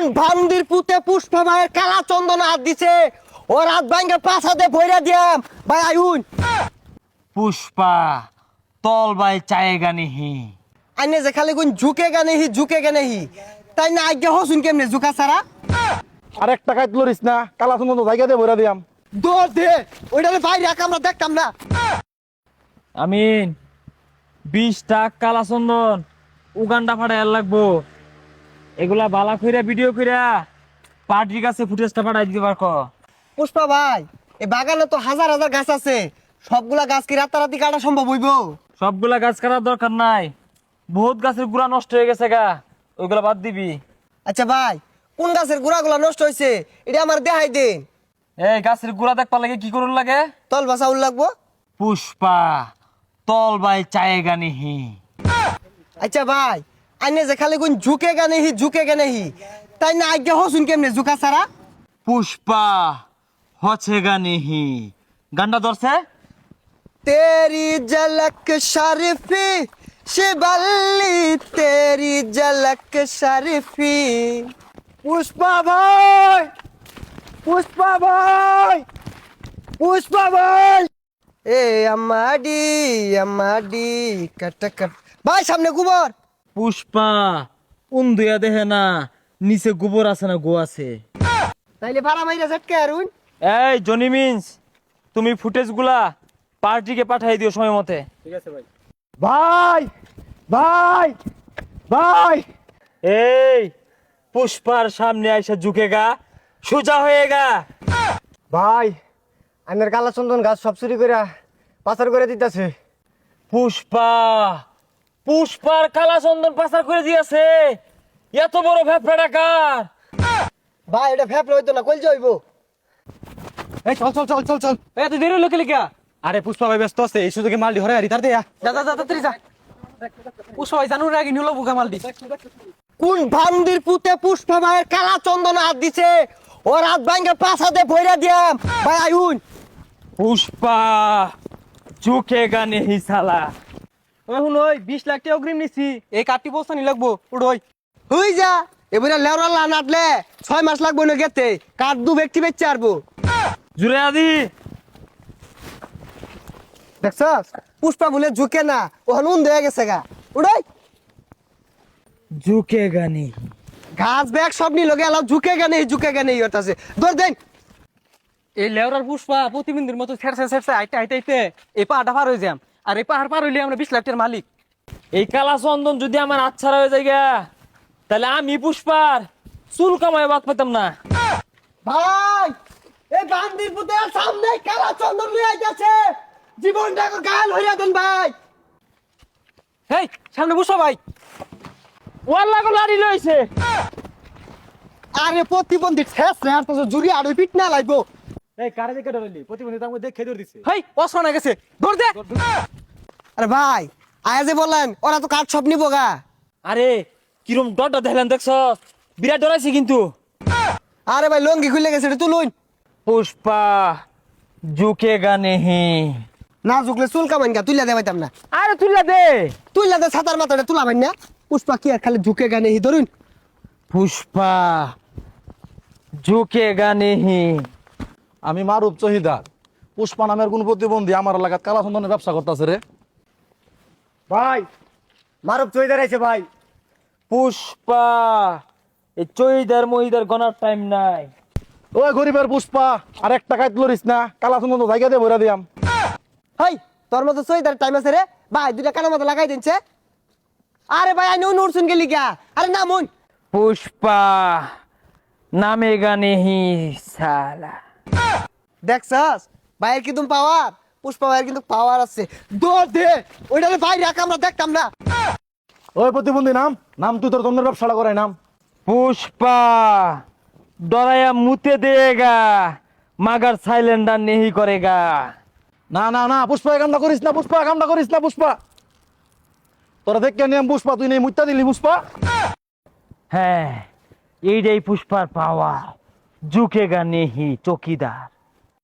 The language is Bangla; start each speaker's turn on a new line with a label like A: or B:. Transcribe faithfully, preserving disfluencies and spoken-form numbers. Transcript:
A: ভান্দির পুতে পুষ্পা ভাইয়ের কালা চন্দন হাত দিছে ও রাত ভাঙ্গে পাছাতে ভইরা দিয়াম ভাই আইউন
B: পুষ্পা তল বাই চায়েগা নিহি
A: আইনে যে খালি কোন ঝুকে গানে হি ঝুকে গানে হি তাই না আজ্ঞা হসুন কেমনে ঝুকা ছাড়া
C: আর এক টাকায় লরিস না কালা সুন্দর জায়গা দিয়ে ভরে দিয়াম
A: দৌড় দে ওইটারে বাইরে রাখ আমরা দেখতাম না
B: আমিন বিশ টাক কালা চন্দন উগান্ডা ফাটাই লাগবো এগুলা বালা কইরা ভিডিও কইরা পার্টির কাছে ফুটেজটা পাঠাই দিতে পারকো
A: পুষ্পা ভাই এই বাগানে তো হাজার হাজার গাছ আছে সবগুলা গাছ কি রাতারাতি কাটা সম্ভব হইব
B: সবগুলা গাছ কাটার দরকার নাই বহুত গাছের গুড়া নষ্ট হয়ে গেছে গা ওইগুলা বাদ দিবি
A: আচ্ছা ভাই কোন গাছের গুড়াগুলা নষ্ট হয়েছে এটা আমার দেখাই দিন
B: এই গাছের গুড়া দেখবার লাগে কি করুন লাগে
A: তল বাসা উল লাগবো
B: পুষ্পা তল বাই চায়েগা নিহি
A: আচ্ছা ভাই আইনে যে খালি কোন ঝুকে গানে হি ঝুকে গানে হি তাই না আজ্ঞা হসুন কেমনে ঝুকা ছাড়া
B: পুষ্পা হছেগা নিহি গান্ডা ধরছে
A: तेरी झलक शरीफी शिबल्ली तेरी झलक शरीफी पुष्पा भाई पुष्पा भाई पुष्पा भाई ए अम्माडी अम्माडी कट कट भाई सामने गोबर
B: পুষ্পা উন্দুয়া দেহে না নিচে গোবর আছে না গো আছে
A: তাইলে ভাড়া মাইরা ঝটকে আরুন
B: এই জনি মিন্স তুমি ফুটেজ গুলা পার্টিকে পাঠাই দিও সময় মতে
C: ভাই ভাই ভাই
B: এই পুষ্পার সামনে আইসা ঝুঁকেগা সোজা হয়েগা
A: ভাই আইনের কালা চন্দন গাছ সব চুরি করে পাচার করে দিতেছে
B: পুষ্পা পুষ্পার কালা চন্দন পাচার করে দিয়েছে এত বড় ভ্যাপড়া ডাকার
A: ভাই এটা ফেপলে হইতো না কইল যাইবো
C: এই চল চল চল চল চল
B: এত দেরি লোকে লিখা
C: আরে পুষ্পা ভাই ব্যস্ত আছে এই সুযোগে মাল ধরে আরি তার দেয়া
B: যা যা যা তাড়াতাড়ি যা পুষ্পা ভাই জানুর আগে নিলো বুকা মালটি
A: কোন ভান্দির পুতে পুষ্পা ভাইয়ের কালা চন্দন হাত দিছে ও রাত ভাঙ্গে পাছাতে ভইরা দিয়াম ভাই আইউন
B: পুষ্পা ঝুঁকেগা নেহি সালা
C: এখন ওই বিশ লাখ টাকা অগ্রিম নিছি এই কাটি বস্তা নি লাগবো উড়োই
A: হই যা এবারে লেওরালা নাটলে ছয় মাস লাগবো না গেতে কাঠ দু ব্যক্তি বেচে আরবো
B: জুড়ে আদি
A: দেখছস পুষ্পা বলে ঝুঁকে না ওখানে উন হয়ে গেছে গা উড়াই
B: ঝুঁকেগা নেহি
A: ঘাস ব্যাগ সব নিল গেল ঝুঁকে গেনে ঝুঁকে গেনে ইয়ত আছে দৌড় দেন
C: এই লেওরার পুষ্পা প্রতিবিন্দুর মতো ছেড়ছে ছেড়ছে আইতে আইতে আইতে এই পাহাড়টা পার হয়ে যাম আর এই পাহাড় পার হইলে আমরা বিশ লাখ টাকার মালিক
B: এই কালা চন্দন যদি আমার আচ্ছারা হয়ে যায় গা, তাহলে আমি পুষ্পার চুল কামায় বাদ পেতাম না
A: ভাই এই বান্দির পুতে সামনে কালা চন্দন লই আইতাছে জীবনটা গাল হইয়া দেন ভাই
C: হেই সামনে পুষ্পা ভাই
B: ওয়াল্লা গো লাড়ি লইছে
A: আরে প্রতিবন্ধী ঠেস রে আর তো জুরি আর পিট না লাগবো
C: এই কারে দেখে ডরাইলি প্রতিবন্ধী তার মধ্যে খেয়ে দিছে
B: হেই অসনা গেছে দৌড় দে
A: আরে ভাই আয়া যে বললেন ওরা তো কাঠ সব নিবো গা
B: আরে কিরম ডরটা দেখলেন দেখছ বিরাট ডরাইছে কিন্তু
A: আরে ভাই লঙ্গি খুলে গেছে এটা তুলুন
B: পুষ্পা ঝুঁকেগা নেহি
A: না ঝুকলে চুল কামাইন গা তুইলা দে পাইতাম না
B: আরে তুইলা দে
A: তুইলা দে ছাতার মাথাটা তুলা ভাই না পুষ্পা কি আর খালি ঝুঁকে গানে হি ধরুন
B: পুষ্পা ঝুঁকেগা নেহি
D: আমি মারুফ চহিদার পুষ্পা নামের কোন প্রতিবন্ধী আমার এলাকাত কালা চন্দনের ব্যবসা করতেছে রে
A: ভাই মারুফ চইদার আইছে ভাই
B: পুষ্পা এই চইদার মহিদার গনার টাইম নাই
D: ওই গরিবের পুষ্পা আর এক টাকায় লরিস না কালা চন্দন জায়গা দিয়ে ভরে দিয়াম
A: হাই তোর মতো চইদার টাইম আছে রে ভাই দুইটা কানের মতো লাগাই দিনছে আরে ভাই আই নো নুরসুন গেলি গা আরে না মন
B: পুষ্পা নামেগা নেহি সালা
A: দেখছস ভাইয়ের কিন্তু পাওয়ার পুষ্পা ভাইয়ের কিন্তু পাওয়ার আছে দৌড় দে ওইটারে ভাই রাখ আমরা দেখতাম না
D: ওই প্রতিবন্ধী নাম নাম তুই তোর চন্দ্রের ব্যবসাটা করাই নাম
B: পুষ্পা ডরায়া মুতে দেগা মাগার সাইলেন্ডার নেহি করেগা
D: না না না পুষ্পা এই কামটা করিস না পুষ্পা এই কামটা করিস না পুষ্পা তোরা দেখ কেন পুষ্পা তুই নেই মুত্তা দিলি পুষ্পা
B: হ্যাঁ এইটাই পুষ্পার পাওয়া ঝুঁকেগা নেহি চকিদার